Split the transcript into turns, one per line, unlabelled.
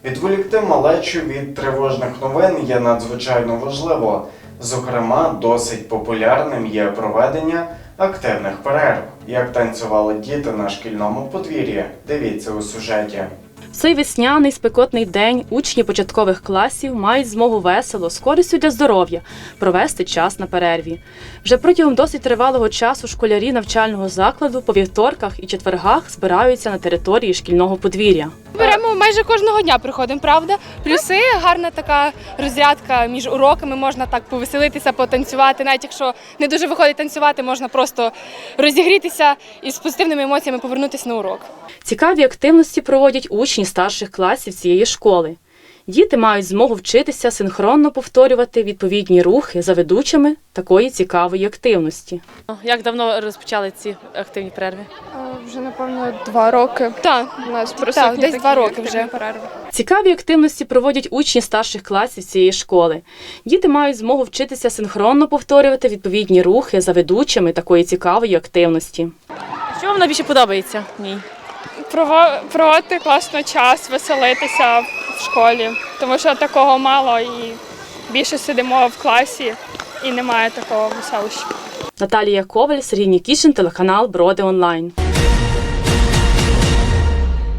Відволікти малечу від тривожних новин є надзвичайно важливо. Зокрема, досить популярним є проведення активних перерв. Як танцювали діти на шкільному подвір'ї? Дивіться у сюжеті.
В цей весняний спекотний день учні початкових класів мають змогу весело, з користю для здоров'я, провести час на перерві. Вже протягом досить тривалого часу школярі навчального закладу по вівторках і четвергах збираються на території шкільного подвір'я.
Беремо майже кожного дня, приходимо, правда? Плюси, гарна така розрядка між уроками, можна так повеселитися, потанцювати. Навіть якщо не дуже виходить танцювати, можна просто розігрітися і з позитивними емоціями повернутися на урок.
Цікаві активності проводять учні старших класів цієї школи. Діти мають змогу вчитися синхронно повторювати відповідні рухи за ведучими такої цікавої активності. Як давно розпочали ці активні перерви?
Вже, напевно, 2 роки.
Так,
У нас
так, десь 2 роки вже.
перерви.
Цікаві активності проводять учні старших класів цієї школи. Діти мають змогу вчитися синхронно повторювати відповідні рухи за ведучими такої цікавої активності. Що вам найбільше подобається в ній?
Проводити класно час, веселитися в школі, тому що такого мало і більше сидимо в класі і немає такого веселища.
Наталія Коваль, Сергій Нікішин, телеканал Броди Онлайн.